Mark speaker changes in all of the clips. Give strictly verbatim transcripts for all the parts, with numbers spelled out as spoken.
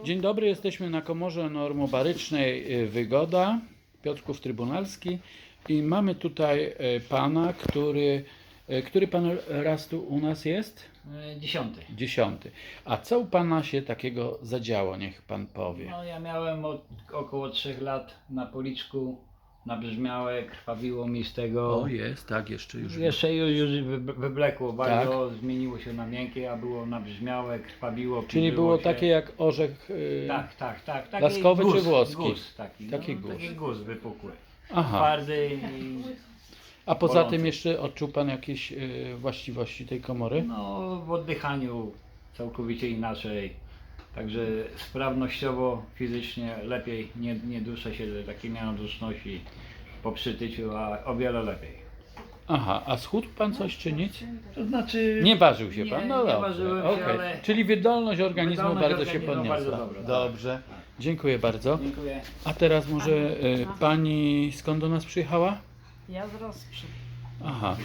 Speaker 1: Dzień dobry, jesteśmy na komorze normobarycznej y, Wygoda, Piotrków Trybunalski i mamy tutaj y, pana, który, y, który pan raz tu u nas jest?
Speaker 2: E, Dziesiąty.
Speaker 1: Dziesiąty. A co u pana się takiego zadziało, niech pan powie?
Speaker 2: No ja miałem od około trzech lat na policzku nabrzmiałe, krwawiło mi z tego.
Speaker 1: O, jest, tak, jeszcze już.
Speaker 2: Jeszcze już, już wy- wyblekło bardzo, zmieniło się na miękkie, a było nabrzmiałe, krwawiło.
Speaker 1: Czyli
Speaker 2: piżyło
Speaker 1: było
Speaker 2: się.
Speaker 1: takie jak orzech. y,
Speaker 2: Tak, tak, tak. Taki
Speaker 1: laskowy
Speaker 2: guz,
Speaker 1: czy włoski?
Speaker 2: Guz, taki,
Speaker 1: Taki
Speaker 2: no,
Speaker 1: guz.
Speaker 2: taki guz wypukły.
Speaker 1: Aha.
Speaker 2: Twardy i
Speaker 1: A poza
Speaker 2: bolący.
Speaker 1: tym jeszcze odczuł pan jakieś y, właściwości tej komory?
Speaker 2: no, w oddychaniu całkowicie inaczej. Także sprawnościowo, fizycznie lepiej, nie, nie duszę się, że takie miałem duszności po przytyciu, a o wiele lepiej.
Speaker 1: Aha, a schudł pan coś czy nic?
Speaker 2: To znaczy...
Speaker 1: Nie ważył się
Speaker 2: nie,
Speaker 1: pan? No
Speaker 2: nie
Speaker 1: dobrze.
Speaker 2: ważyłem się,
Speaker 1: okej.
Speaker 2: ale...
Speaker 1: Czyli wydolność organizmu
Speaker 2: Wydolność
Speaker 1: bardzo się
Speaker 2: organizmu
Speaker 1: podniosła.
Speaker 2: bardzo dobra, tak.
Speaker 1: Dobrze, dziękuję bardzo.
Speaker 2: Dziękuję.
Speaker 1: A teraz może y, pani skąd do nas przyjechała?
Speaker 3: Ja z Rosprzy.
Speaker 1: Aha.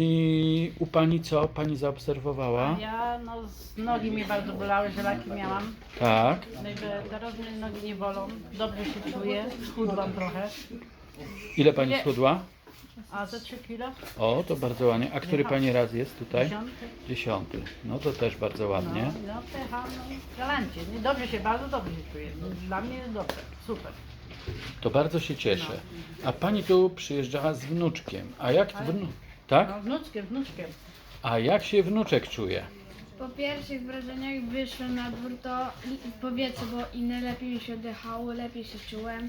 Speaker 1: I u pani co pani zaobserwowała?
Speaker 3: Ja no z nogi mnie bardzo bolały, żelaki miałam.
Speaker 1: Tak.
Speaker 3: Także teraz mnie nogi nie bolą. Dobrze się czuję. Schudłam trochę.
Speaker 1: Ile pani
Speaker 3: Nie.
Speaker 1: schudła?
Speaker 3: A za trzy kilo?
Speaker 1: O, to bardzo ładnie. A który pani raz jest tutaj?
Speaker 3: Dziesiąty.
Speaker 1: Dziesiąty. No to też bardzo ładnie.
Speaker 3: No, no pecha, no galancie. Nie, dobrze się, bardzo dobrze się czuję. Dla mnie jest dobrze. Super.
Speaker 1: To bardzo się cieszę. A pani tu przyjeżdżała z wnuczkiem. A jak wnu... Tak?
Speaker 3: No wnuczkiem, wnuczkiem.
Speaker 1: A jak się wnuczek czuje?
Speaker 4: Po pierwszych wrażeniach wyszłem na dwór, to powietrze było inne, lepiej mi się oddychało, lepiej się czułem.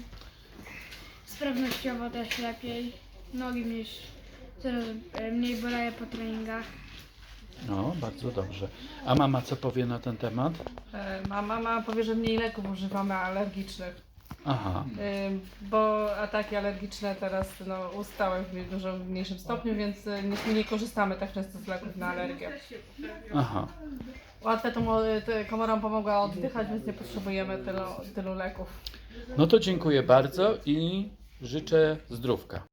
Speaker 4: Sprawnościowo też lepiej. Nogi mnie już coraz e, mniej bolały po treningach.
Speaker 1: No, bardzo dobrze. A mama co powie na ten temat?
Speaker 5: E, Ma mama powie, że mniej leków używamy alergicznych,
Speaker 1: Aha.
Speaker 5: e, bo ataki alergiczne teraz no, ustały w dużo mniejszym stopniu, więc e, nie, nie korzystamy tak często z leków na alergię.
Speaker 1: Aha.
Speaker 5: Łatwe to mo- te komorom pomogła oddychać, więc nie potrzebujemy tylu, tylu leków.
Speaker 1: No to dziękuję bardzo i życzę zdrówka.